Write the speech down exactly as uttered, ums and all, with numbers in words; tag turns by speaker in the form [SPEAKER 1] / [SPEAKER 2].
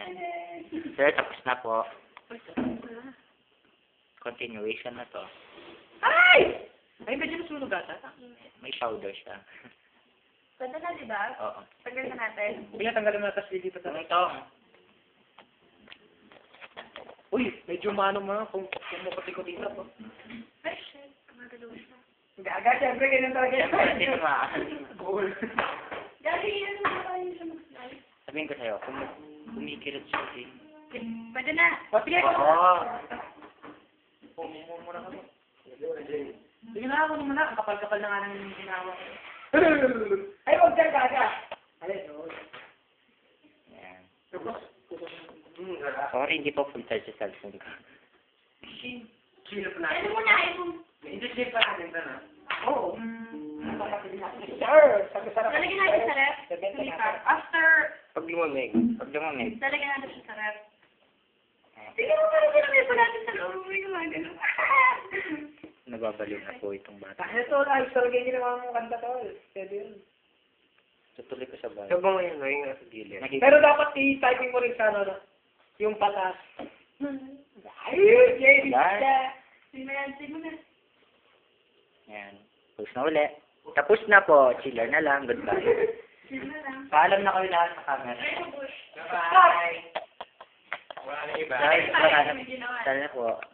[SPEAKER 1] Sir, tapos na po. Continuation na to.
[SPEAKER 2] Ay! Ay, medyo nasunog ata.
[SPEAKER 1] May powder siya.
[SPEAKER 3] Ganda na, di ba?
[SPEAKER 1] Oo.
[SPEAKER 3] Tagal na natin.
[SPEAKER 2] Hindi nga tanggalin mo na, tapos lilipat na.
[SPEAKER 1] Ito.
[SPEAKER 2] Uy, medyo mano mga kung kumukuti-kuti na po.
[SPEAKER 3] Ay, shit. Magalaw siya.
[SPEAKER 2] Gaga, siyempre, ganyan talaga
[SPEAKER 1] Siyempre, hindi ko ma...
[SPEAKER 2] Cool.
[SPEAKER 3] Gagi, yan mo ba yung siya mag-slide?
[SPEAKER 1] Sabihin ko sa'yo, kung kumikirot siya, eh.
[SPEAKER 3] Pwede na.
[SPEAKER 2] Sige,
[SPEAKER 1] Oo.
[SPEAKER 2] Pumumur mo na kami. Sige na ako naman na, ang kapal-kapal na nga ng ginawa ko. Ay, huwag dyan, gaga! Alin, no?
[SPEAKER 1] Yan.
[SPEAKER 2] Tapos,
[SPEAKER 1] Sorry, hindi po full charge sa cellphone ko.
[SPEAKER 2] sino pa
[SPEAKER 3] Ano
[SPEAKER 2] natin?
[SPEAKER 3] muna, iPhone.
[SPEAKER 2] Hindi sino pa natin ba na? Oo. Sir, sabi sarap.
[SPEAKER 3] Lalagyan natin sa ref. Sulipat. After,
[SPEAKER 1] Pag lumamig, pag lumamig.
[SPEAKER 3] lalagyan natin siya sa ref. Sige mo, parang ginamit pa natin sa loob. May gumagano.
[SPEAKER 1] Nababaliw na po itong bata.
[SPEAKER 2] Ito, ayos talaga yung ginawa mong kanta to. Pwede yun.
[SPEAKER 1] Tutuloy ko sa bahay.
[SPEAKER 2] Sabang yun, no? Yung
[SPEAKER 1] Sa gilid.
[SPEAKER 2] Pero dapat i-typing mo rin sa ano, no? Yung patas. Ay, Jerry!
[SPEAKER 1] Yan.
[SPEAKER 3] Sige mo yan, sige mo na.
[SPEAKER 1] Yan. Tapos na uli. Tapos na po. Chiller na lang. Goodbye.
[SPEAKER 3] Sige na lang.
[SPEAKER 1] Paalam na kayo lahat sa camera.
[SPEAKER 3] Ay, bush.
[SPEAKER 2] Bye!
[SPEAKER 1] Wala na iba. Guys, wala na. Sana po.